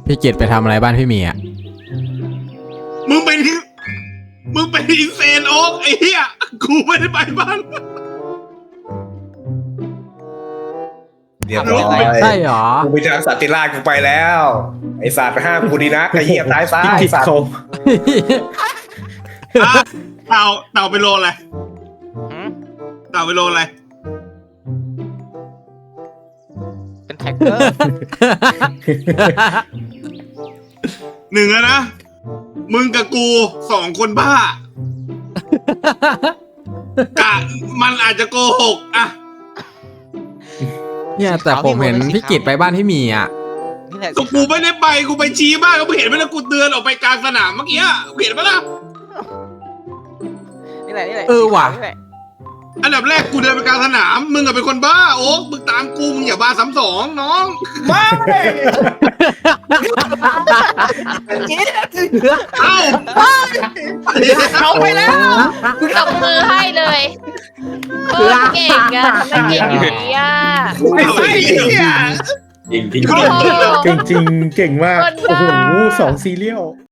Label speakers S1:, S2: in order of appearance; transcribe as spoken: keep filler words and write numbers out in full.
S1: พี่กิตไปทำอะไรบ้านพี่หมีอ่ะ
S2: มึงเป็นมึงเป็นอินเซนโอ๊กไอ้เหี้ยกูไม่ได้ไปบ้าน
S3: เรียบร้อย
S1: ใช่หรอ
S3: กูไปทางสัตว์ติราชกูไปแล้วไอสัตว์ไปห้ามกูดีนะไอเหี้ยตายซ้ายไอสัตว์
S2: อ่ะเต่าเต่าไปโลอะไร
S4: หืม
S2: เต่าไปโลอะไร
S4: เป็นแท็กเกอร์
S2: หนึ่งแล้วนะมึงกับกูสองคนบ้า กะมันอาจจะโกหกอะ
S1: เนี่ยแต่ผมเห็นพี่กิตไปบ้านพี่หมีอ่ะ
S4: นี่แหละ
S2: ก็กูไม่ได้ไปกูไปชี้บ้านก็เห็นไหมล่ะกูเดินออกไปกลางสนามเมื่อกี้เห็นไหมล่ะ
S4: นี่แหละนี่แหละ
S1: เออว่ะ
S4: นี่แหละ
S2: อันดับแรกกูเดินไปกลางสนามมึงอะเป็นคนบ้าโอ๊กมึงตามกูมึงอย่าบ้าซ้ำสองน้อง
S3: ไม่
S2: เอ้า
S4: เอาไปแล้ว
S5: ตบมือให้เลยเออเก่งอะทำไมเก่งอย่างนี้อะ
S2: ไม่ใช่เนี่ย
S3: จริงจริง
S5: โอ้โห
S6: เก่งจริงเก่งมาก
S5: คนบ้า
S6: โอ้โหสองซีเรียล